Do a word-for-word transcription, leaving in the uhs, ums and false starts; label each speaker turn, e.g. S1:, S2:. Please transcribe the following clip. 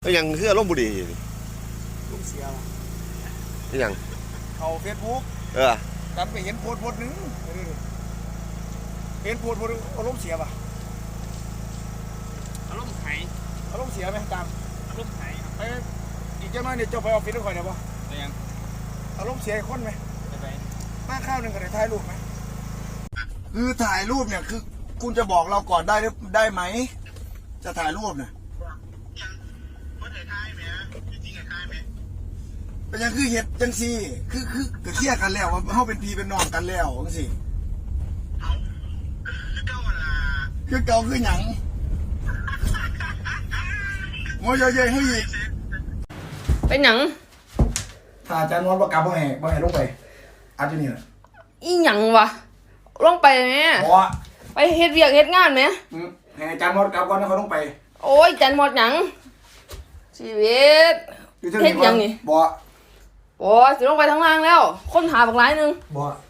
S1: แล้วยังคืออารมณ์บุรี
S2: ลุงเสีย
S1: ยัง
S2: เขาเฟซบุ๊ก
S1: เออ
S2: จำไปเห็นโพสต์โพสต์นึงเห็นโพสต์โพสต์อารมณ์เสียป่ะ
S3: อารมณ์ไห้
S2: อารมณ์เสียไหมตาม
S3: อารมณ์ไห้
S2: ไปอีกเจ้าน้อยเนี่ยเจ้าไปออฟฟิศด้วยคอยเดี๋ยวป่ะ
S3: ยัง
S2: อารมณ์เสียคนไหม
S3: ไป
S2: มาข้าวหนึ่งก็ได้ถ่ายรูปไหมคือถ่ายรูปเนี่ยคือคุณจะบอกเราก่อนได้ได้ไหมจะถ่ายรูปเนี่ยเป็นยังคือเห็ดจังซี่คือคือกระเทียกันแล้วว่าเขาเป็นพี่เป็นน้องกันแล้วจังซี่คือเก่าคือหยังโมยเยยให้อีก
S4: เป็นหยัง
S2: ถ้าอาจารย์นวลประกาศบ่ให้บ่ให้ลงไปอาจจะนี่แหละ
S4: อีหยังวะลงไปไหมไปเฮ็ดเวียกเฮ็ดงานไหม
S2: ให้อาจารย์นวลกลับก่อนนะเขาลงไป
S4: โอ้ยจันหมดหยังชีวิตเฮ็ดหยังนี่
S2: บ่
S4: โอ้ยสิลงไปทางล่างแล้วคนหาบักหลายนึง
S2: บ่